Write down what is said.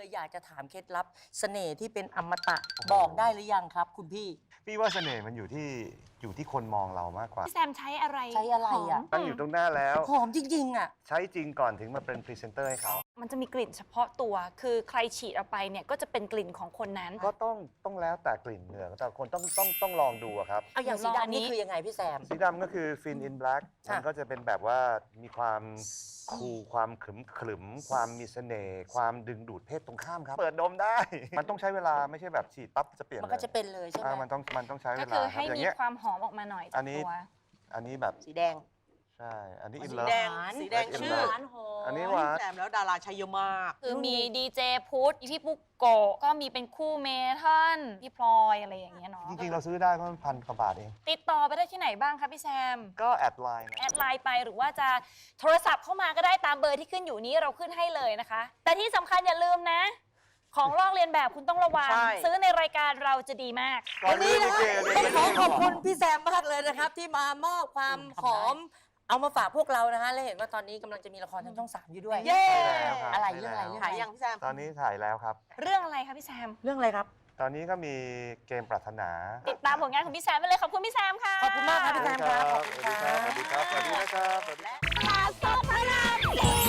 เลยอยากจะถามเคล็ดลับเสน่ห์ที่เป็นอมตะบอกได้หรือยังครับ คุณพี่ว่าเสน่ห์มันอยู่ที่คนมองเรามากกว่าพี่แซมใช้อะไรใช้อะไรอ่ะตั้งอยู่ตรงหน้าแล้วหอมจริงๆอ่ะใช้จริงก่อนถึงมาเป็นพรีเซนเตอร์ให้เขามันจะมีกลิ่นเฉพาะตัว คือใครฉีดออกไปเนี่ยก็จะเป็นกลิ่นของคนนั้นก็ต้องแล้วแต่กลิ่นเหงื่อแต่คนต้องลองดูอะครับเอาอย่างสีลองอันดำนี้นี่คือยังไงพี่แซมสีดำก็คือ Fin in Black ค่ะมันก็จะเป็นแบบว่ามีความคูลความขรึมความมีเสน่ห์ความดึงดูดเพศตรงข้ามครับ เปิดดมได้ มันต้องใช้เวลาไม่ใช่แบบฉีดปั๊บจะเปลี่ยนมันก็จะเป็นเลยใช่ไหมมันต้องใช้เวก็ลาคือครัให้บอย่างมีเงี้ยความหอมออกมาหน่อยอัจากนนี้ตัวอันนี้แบบสีแดงใช่อันนี้อ๋ออินสีเลิฟแดงสีแดงชื่ชื่อหวานหอมอันนี้หวานแซมแล้วดาราใช้เยอะมากคือมีดีเจพุทธพี่ปุ๊กโกะก็มีเป็นคู่เมทัลพี่พลอยอะไรอย่างเงี้ยเนาะจริงๆเราซื้อได้ก็1,000 กว่าบาทเองติดต่อไปได้ที่ไหนบ้างคะพี่แซมก็แอดไลน์นะแอดไลน์ไปหรือว่าจะโทรศัพท์เข้ามาก็ได้ตามเบอร์ที่ขึ้นอยู่นี้เราขึ้นให้เลยนะคะ แต่ที่สำคัญอย่าลืมนะ ของลอกเลียนแบบคุณต้องระวังใช่ซื้อในรายการเราจะดีมากวันนี้นะก่อนต้องเรื่องลิเกขอขอบคุณพี่แซมมากเลยนะครับ ที่มามอบความหอม เอามาฝากพวกเรานะฮะและเห็นว่าตอนนี้กำลังจะมีละครทางช่อง 3 อยู่ด้วยเย้แล้วครับอะไรเรื่องอะไรด้แล้วถ่ายยังพี่แซมตอนนี้ถ่ายแล้วครับเรื่องอะไรคะพี่แซมเรื่องอะไรครับตอนนี้ก็มีเกมปรารถนาติดตามผลงานของพี่แซมไปเลยขอบคุณพี่แซมค่ะขอบคุณมากครับพี่แซมครับขอบคุณสวัสดีครับ สวัสดีนะครับ สวัสดีครับ สวัสดีตลาดสดพระรามสี่